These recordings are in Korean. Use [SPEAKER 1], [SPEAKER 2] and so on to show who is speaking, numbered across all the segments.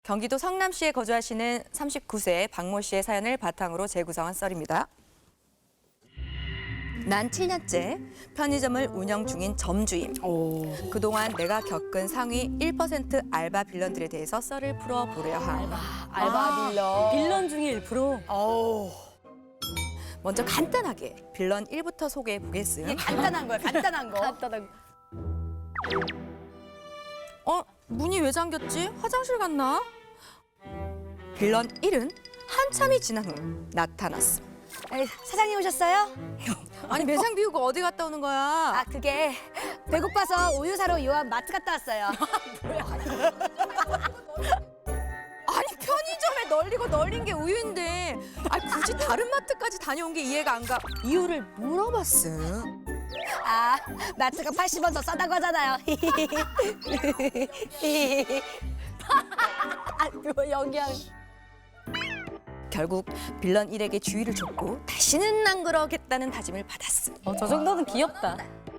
[SPEAKER 1] 경기도 성남시에 거주하시는 39세 박모 씨의 사연을 바탕으로 재구성한 썰입니다. 난 7년째 편의점을 운영 중인 점주임. 그동안 내가 겪은 상위 1% 알바 빌런들에 대해서 썰을 풀어보려 함.
[SPEAKER 2] 알바 빌런.
[SPEAKER 3] 빌런 중에 1%?
[SPEAKER 1] 먼저 간단하게 빌런 1부터 소개해 보겠음.
[SPEAKER 2] 간단한 거야, 간단한 거.
[SPEAKER 3] 간단하고.
[SPEAKER 1] 문이 왜 잠겼지? 화장실 갔나? 빌런 1은 한참이 지난 후 나타났음.
[SPEAKER 2] 에이, 사장님 오셨어요?
[SPEAKER 1] 아니 매상 비우고 어디 갔다 오는 거야?
[SPEAKER 2] 아, 그게 배고파서 우유 사러 요한 마트 갔다 왔어요.
[SPEAKER 1] 아니 편의점에 널리고 널린 게 우유인데 굳이 다른 마트까지 다녀온 게 이해가 안 가. 이유를 물어봤음.
[SPEAKER 2] 아, 마트가 80원 더 싸다고 하잖아요.
[SPEAKER 3] 영양.
[SPEAKER 1] 결국 빌런 1에게 주의를 줬고 다시는 안 그러겠다는 다짐을 받았음.
[SPEAKER 3] 저 정도는 귀엽다.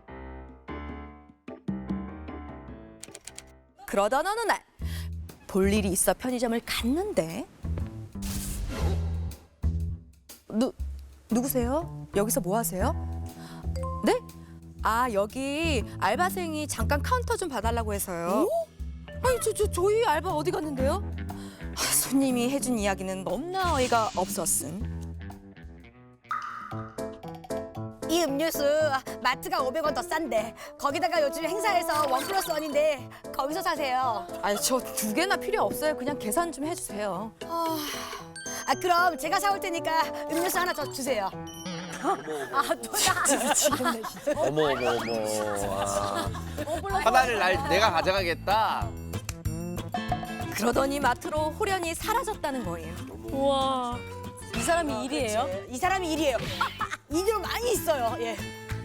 [SPEAKER 1] 그러던 어느 날 볼 일이 있어 편의점을 갔는데 누구세요? 여기서 뭐 하세요? 네? 아 여기 알바생이 잠깐 카운터 좀 봐달라고 해서요. 아니 저희 알바 어디 갔는데요? 손님이 해준 이야기는 너무나 어이가 없었음.
[SPEAKER 2] 이 음료수 마트가 500원 더 싼데 거기다가 요즘 행사에서 1+1인데 거기서 사세요.
[SPEAKER 1] 아니 저 2개나 필요 없어요. 그냥 계산 좀 해주세요.
[SPEAKER 2] 아, 그럼 제가 사올 테니까 음료수 하나 더 주세요.
[SPEAKER 4] 어머. 하나를 내가 가져가겠다.
[SPEAKER 1] 그러더니 마트로 호련히 사라졌다는 거예요.
[SPEAKER 3] 우와. 이 사람이 일이에요?
[SPEAKER 2] 이 사람이 일이에요. 일이 많이 있어요. 예.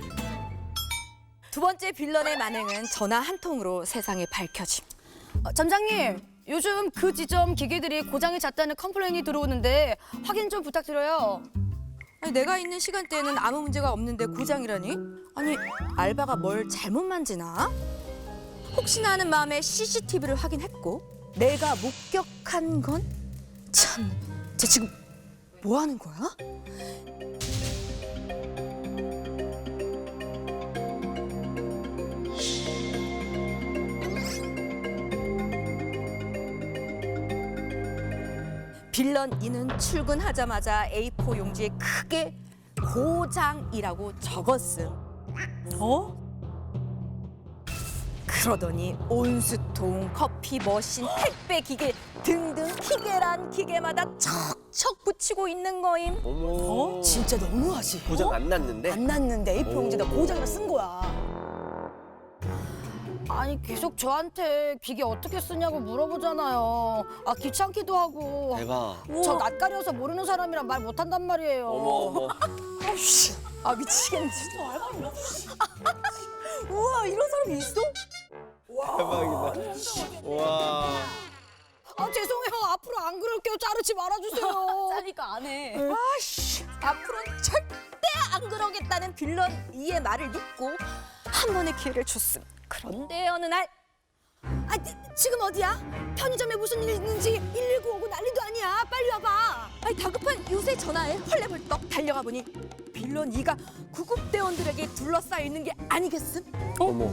[SPEAKER 1] 두 번째 빌런의 만행은 전화 한 통으로 세상에 밝혀짐.
[SPEAKER 2] 점장님, 요즘 그 지점 기계들이 고장이 잦다는 컴플레인이 들어오는데 확인 좀 부탁드려요.
[SPEAKER 1] 아니, 내가 있는 시간대에는 아무 문제가 없는데 고장이라니? 아니 알바가 뭘 잘못 만지나? 혹시나 하는 마음에 CCTV를 확인했고 내가 목격한 건 참, 쟤 지금 뭐 하는 거야? 빌런 2는 출근하자마자 A4 용지에 크게 고장이라고 적었음. 그러더니 온수통, 커피 머신, 택배 기계 등등 기계란 기계마다 척척 붙이고 있는 거임.
[SPEAKER 4] 어머.
[SPEAKER 2] 진짜 너무하지.
[SPEAKER 4] 고장 안 났는데?
[SPEAKER 2] 안 났는데 A4 용지에다 고장이라 쓴 거야. 아니 계속 저한테 기계 어떻게 쓰냐고 물어보잖아요. 아 귀찮기도 하고.
[SPEAKER 4] 대박.
[SPEAKER 2] 저 낯가려서 모르는 사람이랑 말 못한단 말이에요.
[SPEAKER 4] 어머.
[SPEAKER 1] 아 미치겠네 진짜. 우와 이런 사람이 있어?
[SPEAKER 4] 대박이다. 와.
[SPEAKER 2] 아 죄송해요. 앞으로 안 그럴게요. 자르지 말아주세요.
[SPEAKER 3] 짜니까 안 해.
[SPEAKER 1] 아씨 앞으로는 절대 안 그러겠다는 빌런 2의 말을 믿고 한 번의 기회를 줬음. 그런데 어느 날
[SPEAKER 2] 아 지금 어디야? 편의점에 무슨 일 있는지 119 오고 난리도 아니야. 빨리 와봐.
[SPEAKER 1] 다급한 요새 전화에 헐레벌떡 달려가 보니 빌런 2가 구급대원들에게 둘러싸여 있는 게 아니겠음?
[SPEAKER 4] 어머.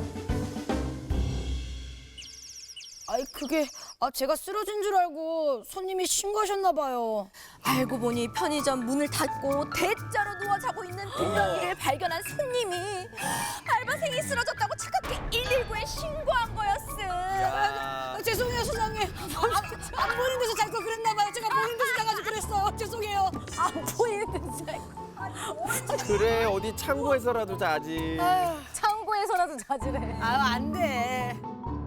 [SPEAKER 2] 아이 그게 제가 쓰러진 줄 알고 손님이 신고하셨나 봐요.
[SPEAKER 1] 알고 보니 편의점 문을 닫고 대자로 누워 자고 있는 빌런 2를 발견한 손님이 알바생이 쓰러졌다고 착각해 119에 신고한 거였음.
[SPEAKER 4] 야.
[SPEAKER 2] 죄송해요 사장님. 안 보이는 데서 잘 거 그랬나 봐요. 제가 보이는 데서 자가지고 그랬어요. 죄송해요.
[SPEAKER 3] 안 보이는 데서 자고.
[SPEAKER 4] 그래 어디 창고에서라도 자지.
[SPEAKER 3] 창고에서라도 자지래.
[SPEAKER 2] 아유 안 돼.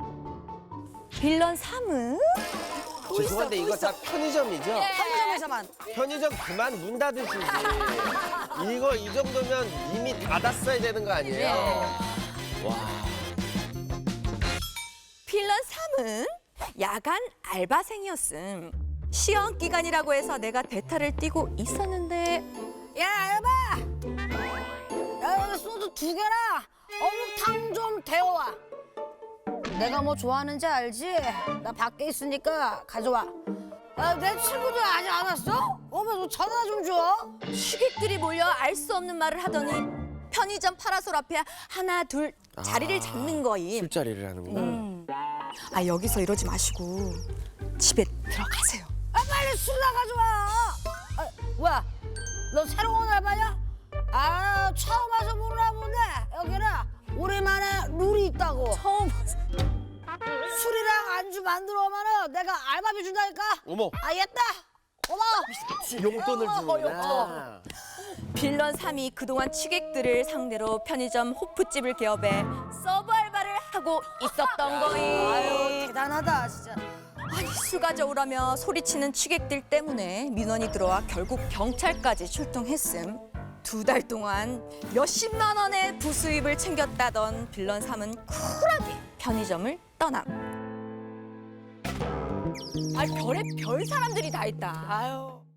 [SPEAKER 1] 빌런 3은
[SPEAKER 4] 죄송한데 이거 다 편의점이죠?
[SPEAKER 2] 편의점에서만.
[SPEAKER 4] 편의점 그만 문 닫으시지. 이거 이 정도면 이미 닫았어야 되는 거 아니에요? 와.
[SPEAKER 1] 빌런 3은 야간 알바생이었음. 시험 기간이라고 해서 내가 대타를 뛰고 있었는데
[SPEAKER 2] 야 알바. 야 소주 2개나 어묵탕 좀 데워와. 내가 뭐 좋아하는지 알지? 나 밖에 있으니까 가져와. 내 친구들 아직 안 왔어? 너 전화 좀 줘.
[SPEAKER 1] 취객들이 몰려 알 수 없는 말을 하더니 편의점 파라솔 앞에 하나 둘 자리를 잡는 거임.
[SPEAKER 4] 술자리를 하는구나.
[SPEAKER 1] 아 여기서 이러지 마시고 집에 들어가세요.
[SPEAKER 2] 빨리 술이나 가져와. 뭐야? 너 새로운 알바냐? 처음 와서 모르나 보네. 여기는 우리만의 룰이 있다고.
[SPEAKER 3] 처음 봤어.
[SPEAKER 2] 술이랑 안주 만들어 오면은 내가 알바비 준다니까.
[SPEAKER 4] 어머,
[SPEAKER 2] 알겠다. 고마워.
[SPEAKER 4] 용돈을 주는구나.
[SPEAKER 1] 빌런 3이 그동안 취객들을 상대로 편의점 호프집을 개업해 서브 알바를 하고 있었던 거임.
[SPEAKER 2] 아유 대단하다 진짜.
[SPEAKER 1] 아니 술 가져오라며 소리치는 취객들 때문에 민원이 들어와 결국 경찰까지 출동했음. 2달 동안 몇십만 원의 부수입을 챙겼다던 빌런 3은 쿨하게 편의점을 떠남. 아 별의 별 사람들이 다 있다.
[SPEAKER 2] 아유.